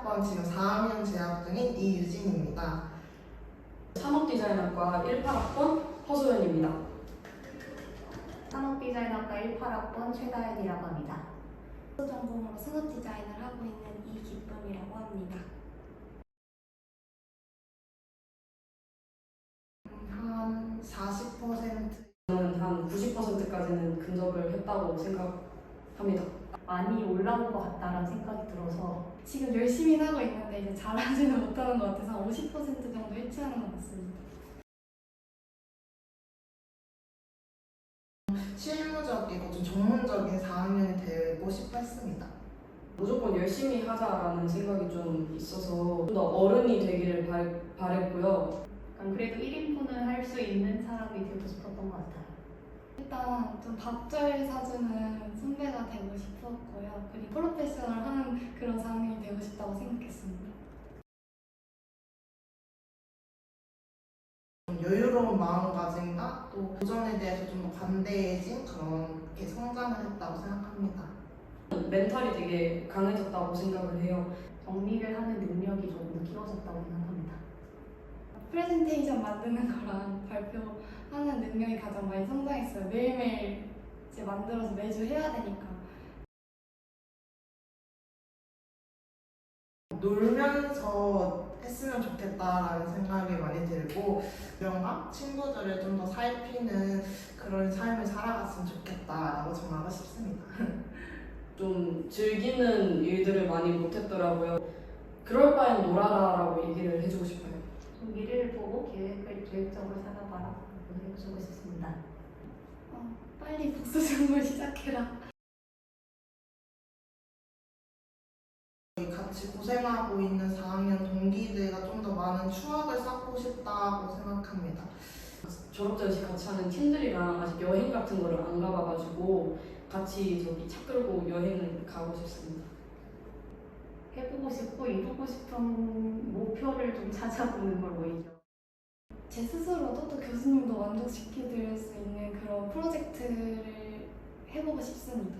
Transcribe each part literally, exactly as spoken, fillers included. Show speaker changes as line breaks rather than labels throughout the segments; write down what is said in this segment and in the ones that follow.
학번 지금 사 학년 재학 중인 이유진입니다.
산업디자인학과 십팔 학번 허소연입니다.
산업디자인학과 십팔 학번 최다현이라고 합니다.
전공으로 산업 디자인을 하고 있는 이기쁨이라고 합니다.
한 사십 퍼센트
저는 한 구십 퍼센트까지는 근접을 했다고 생각합니다.
많이 올라온 것 같다라는 생각이 들어서
지금 열심히 하고 있는데 이제 잘하지는 못하는 것 같아서 오십 퍼센트 정도 일치하는 것 같습니다.
실무적이고 좀 전문적인 사 학년이 되고 싶어 했습니다.
무조건 열심히 하자라는 생각이 좀 있어서 좀 더 어른이 되기를 바, 바랬고요.
약간 그래도 일 인분은 할 수 있는 사람이 되고 싶었던 것 같아요.
일단 좀 밥잘 사주는 선배가 되고 싶었고요. 그리고 프로페셔널한 그런 상황이 되고 싶다고 생각했습니다.
좀 여유로운 마음가짐과 또 도전에 대해서 좀 더 관대해진 그런 게 성장을 했다고 생각합니다.
멘탈이 되게 강해졌다고 생각을 해요.
정리를 하는 능력이 조금 키워졌다고 생각합니다.
프레젠테이션 만드는 거랑 발표하는 능력이 가장 많이 성장했어요. 매일매일 이제 만들어서 매주 해야 되니까.
놀면서 했으면 좋겠다라는 생각이 많이 들고 주변과 친구들을 좀 더 살피는 그런 삶을 살아갔으면 좋겠다라고 정하고 싶습니다.
좀 즐기는 일들을 많이 못했더라고요. 그럴 바엔 놀아라라고 얘기를 해주고 싶어요.
좀 미래를 보고 계획을 계획적으로 살아봐라 라고 해주고 싶습니다.
어, 빨리 복수 준비를 시작해라.
같이 고생하고 있는 사 학년 동기들과 좀 더 많은 추억을 쌓고 싶다고 생각합니다.
졸업 전시 같이 하는 팀들이랑 아직 여행 같은 거를 안 가봐가지고 같이 저기 차 끌고 여행을 가고 싶습니다.
해보고 싶고 이루고 싶은 목표를 좀 찾아보는 걸 오히려
제 스스로도 또 교수님도 만족시켜드릴 수 있는 그런 프로젝트를 해보고 싶습니다.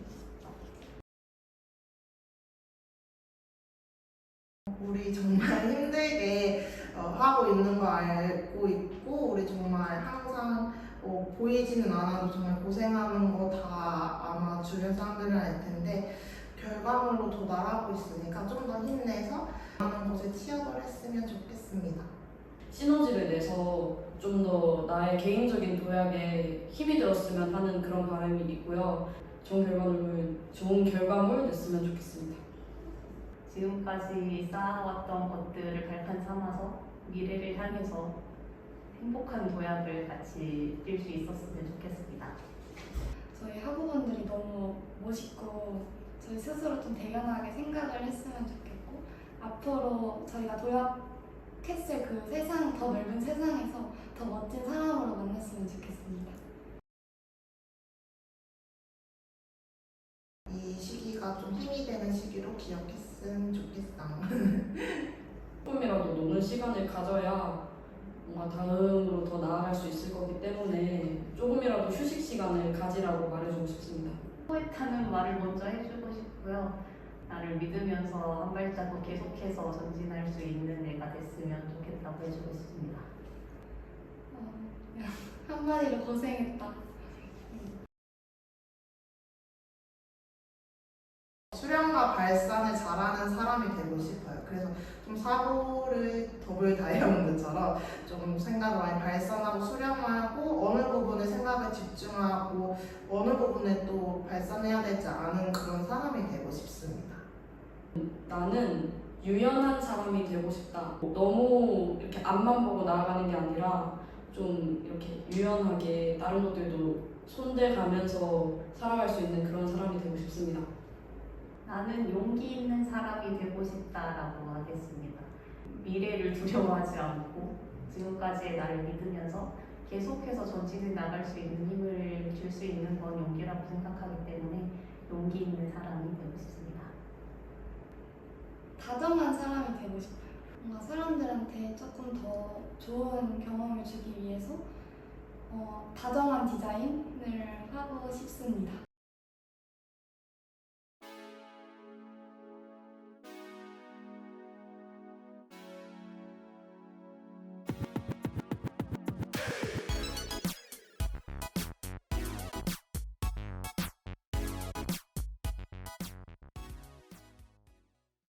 우리 정말 힘들게 어, 하고 있는 거 알고 있고 우리 정말 항상 어, 보이지는 않아도 정말 고생하는 거 다 아마 주변 사람들은 알 텐데 결과물로 도달하고 있으니까 좀 더 힘내서 많은 곳에 취업을 했으면 좋겠습니다.
시너지를 내서 좀 더 나의 개인적인 도약에 힘이 되었으면 하는 그런 바람이 있고요. 좋은 결과물, 좋은 결과물 냈으면 좋겠습니다.
지금까지 쌓아왔던 것들을 발판 삼아서 미래를 향해서 행복한 도약을 같이 뛸 수 있었으면 좋겠습니다.
저희 학우분들이 너무 멋있고 저희 스스로 좀 대견하게 생각을 했으면 좋겠고 앞으로 저희가 도약했을 그 세상, 더 넓은 세상에서 더 멋진 사람으로 만났으면 좋겠습니다.
이 시기가 좀 힘이 되는 시기로 기억했으면 좋겠어.
조금이라도 노는 시간을 가져야 뭔가 다음으로 더 나아갈 수 있을 거기 때문에 조금이라도 휴식 시간을 가지라고 말해주고 싶습니다.
포획하는 말을 먼저 해주고 싶고요. 나를 믿으면서 한 발자국 계속해서 전진할 수 있는 애가 됐으면 좋겠다고 해주고 싶습니다.
어, 한마디로 고생했다.
수련과 발산을 잘하는 사람이 되고 싶어요. 그래서 좀 사고를 더블 다이아몬드처럼 좀 생각을 많이 발산하고 수련하고 어느 부분에 생각을 집중하고 어느 부분에 또 발산해야 되지 않은 그런 사람이 되고 싶습니다.
나는 유연한 사람이 되고 싶다. 너무 이렇게 앞만 보고 나아가는 게 아니라 좀 이렇게 유연하게 다른 것들도 손대가면서 살아갈 수 있는 그런 사람이 되고 싶습니다.
나는 용기 있는 사람이 되고 싶다라고 하겠습니다. 미래를 두려워하지 않고 지금까지의 나를 믿으면서 계속해서 전진해 나갈 수 있는 힘을 줄 수 있는 건 용기라고 생각하기 때문에 용기 있는 사람이 되고 싶습니다.
다정한 사람이 되고 싶어요. 뭔가 사람들한테 조금 더 좋은 경험을 주기 위해서 어, 다정한 디자인을 하고 싶습니다.